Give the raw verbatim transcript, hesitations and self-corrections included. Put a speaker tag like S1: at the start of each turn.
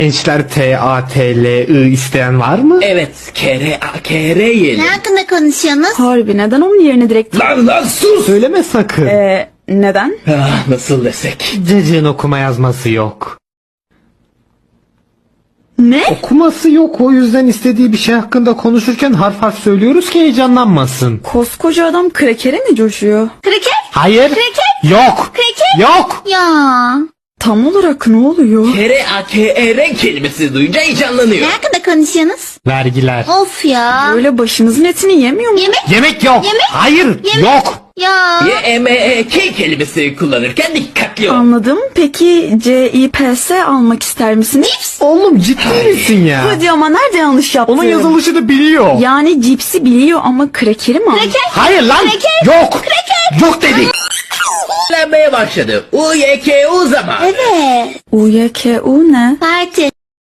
S1: Gençler T A T L I isteyen var mı?
S2: Evet, kere a kere yiyelim.
S3: Ne hakkında konuşuyorsunuz?
S4: Harbi neden onun yerine direkt...
S2: Lan lan sus!
S1: Söyleme sakın.
S4: Ee, neden?
S2: Ah, nasıl desek?
S1: Cacığın okuma yazması yok.
S4: Ne?
S1: Okuması yok, o yüzden istediği bir şey hakkında konuşurken harf harf söylüyoruz ki heyecanlanmasın.
S4: Koskoca adam krekere mi coşuyor?
S3: Kraker?
S1: Hayır.
S3: Kreket?
S1: Yok.
S3: Kreket?
S1: Yok.
S3: Ya.
S4: Tam olarak ne oluyor?
S2: Kere a kere kelimesi duyunca heyecanlanıyor.
S3: Ne hakkında konuşuyorsunuz?
S1: Vergiler.
S3: Of ya.
S4: Böyle başınızın etini yemiyor mu?
S3: Yemek?
S1: Yemek yok.
S3: Yemek?
S1: Hayır.
S3: Yemek?
S1: Yok.
S3: Ya.
S2: Y e m e k kelimesi kullanırken dikkatli ol.
S4: Anladım. Peki C I P S almak ister misiniz?
S3: Cips.
S1: Oğlum ciddi misin ya?
S4: Hadi ama nerede yanlış yaptım?
S1: Onun yazılışını biliyor.
S4: Yani cipsi biliyor ama krekeri mi?
S3: Kraker?
S1: Hayır lan.
S3: Kreket?
S1: Yok. Yok dedik.
S2: Öğrenmeye başladı. U y k u zaman.
S3: Evet.
S4: U Y K U ne?
S3: Parti.